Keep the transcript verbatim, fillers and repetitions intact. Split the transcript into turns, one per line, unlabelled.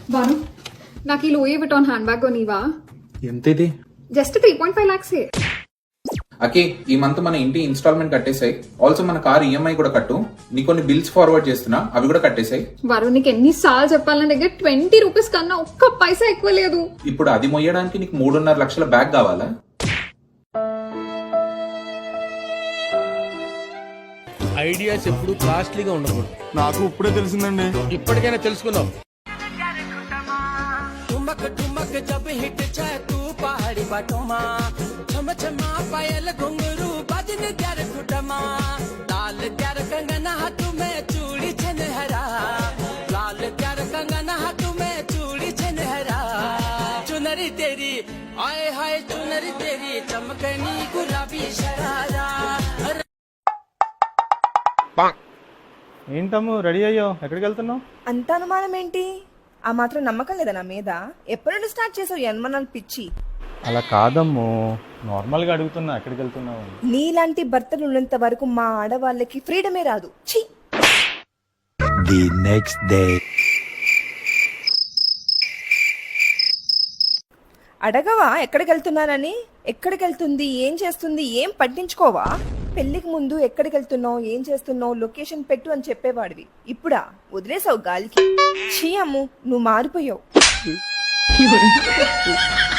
బాను నాకు ఈ Louis Vuitton hand bag కొనివా?
ఎంత ఇది?
Just three point five lakhs.
అకే ఈ మంత్ మన ఇంటి ఇన్స్టాల్మెంట్ కట్టేసాయి. ఆల్సో మన కార్ ఈఎంఐ కూడా కట్టు. నీ కొన్ని బిల్స్ ఫార్వర్డ్ చేస్తున్నా, అవి కూడా కట్టేసాయి.
వరుణ్ నీకు ఎన్ని సార్లు చెప్పాలి, నా దగ్గర ట్వంటీ రూపీస్ కన్నా ఒక్క పైసా ఎక్కువ లేదు.
ఇప్పుడు అది మొయ్యడానికి నీకు మూడున్నర లక్షల బ్యాగ్ కావాలా?
ఐడియాస్ ఎప్పుడు కాస్ట్లీగా ఉండకూడదు.
నాకు ఇప్పుడే తెలిసిందండి.
ఇప్పటికైనా తెలుసుకున్నావు.
जब हिट जाए तू पहाड़ी बाटोमा छम छमा पायल घुंगरू बाजन त्यार खुटमा लाल त्यार कंगना हाथ में चूड़ी छन हरा लाल त्यार कंगना हाथ में चूड़ी छन हरा चुनरी तेरी आए हाय चुनरी तेरी चमकनी गुलाबी शरारा.
ఏంటమ్ము రెడీ అయ్యో, ఎక్కడికి వెళ్తున్నావు?
అంత అనుమానం ఏంటి? ఆ మాత్రం నమ్మకం లేదా నా మీద? ఎప్పటి నుండి స్టార్ట్ చేసావు యన్మనాలు పిచ్చి?
అలా కాదమ్ము, నార్మల్ గా అడుగుతున్నా ఎక్కడికి వెళ్తున్నావు.
నీలాంటి భర్తలు ఉన్నంత వరకు మా ఆడవాళ్ళకి ఫ్రీడమే రాదు. ఛీ!
ది నెక్స్ట్ డే
అడగవా ఎక్కడికి వెళ్తున్నానని? ఎక్కడికి వెళ్తుంది, ఏం చేస్తుంది, ఏం పట్టించుకోవా? పెళ్లికి ముందు ఎక్కడికి వెళ్తున్నావు, ఏం చేస్తున్నావు, లొకేషన్ పెట్టు అని చెప్పేవాడివి. ఇప్పుడా వదిలేసావు గాలికి. ఛీ అమ్ము, నువ్వు మారిపోయావు.